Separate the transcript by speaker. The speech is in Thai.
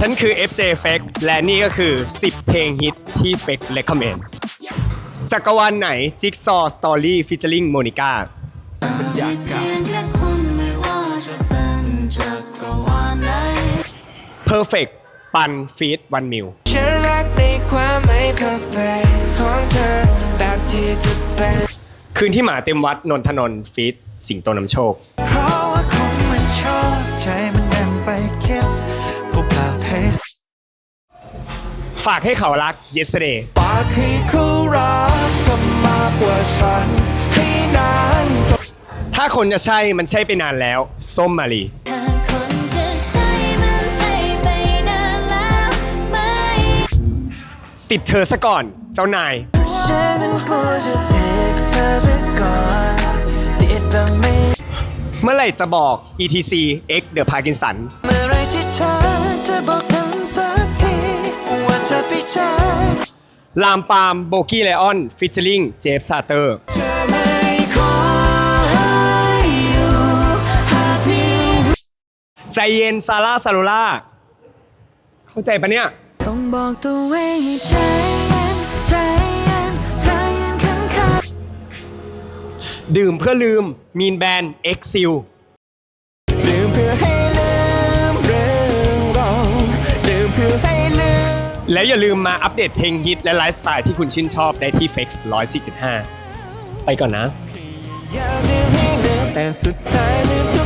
Speaker 1: ฉันคือ FJ Fake และนี่ก็คือ 10 เพลงฮิตที่ Fake Recommend จักรวาลไหน Jigsaw Story featuring Monica Perfect ปันฟีดวันมิว
Speaker 2: ฉันรักในความไม่ perfect ของเธอแบบที่จะเป็น
Speaker 1: คืนที่หมาเต็มวัดนนทนนท์ฟีดสิงโตนำโชค
Speaker 2: เพราะว่าคงมันชอบใจมันเดินไปคิดพวกเราเทส
Speaker 1: ฝากให้เขารัก Yesterday
Speaker 2: ฝากให้เขารักเธอมากกว่าฉันให้นาน
Speaker 1: ถ้าคนจะใช่มันใช่ไปนานแล้วส้มมาลีติดเธอซะก่อนเจ้านายเมื่อไหร่จะบอก ETC X The Parkinson
Speaker 2: เมื่อไรที่เธอจะบอกกันสักทีว่าเธอไปเจอ
Speaker 1: ลามปามโบกี้ไลออนฟิชเชอริงเจฟซาเตอร์ใจเย็นซาร่าซาโลล่าเข้าใจปะเนี่ย
Speaker 2: ต้องบอกตัวเองให้ใจเย็นใจเย็นใจเย็นข้างๆ
Speaker 1: ดื่มเพื่อลืมมีนแบนเอ็กซิล
Speaker 2: ดื่มเพื่อให้ลืมเรื่องเราดื่มเพื่อให้ลืม
Speaker 1: แล้วอย่าลืมมาอัปเดตเพลงฮิตและไลฟ์สไตล์ที่คุณชื่นชอบได้ที่ Flex 104.5 ไปก่อนนะ
Speaker 2: แต่สุดท้ายลืม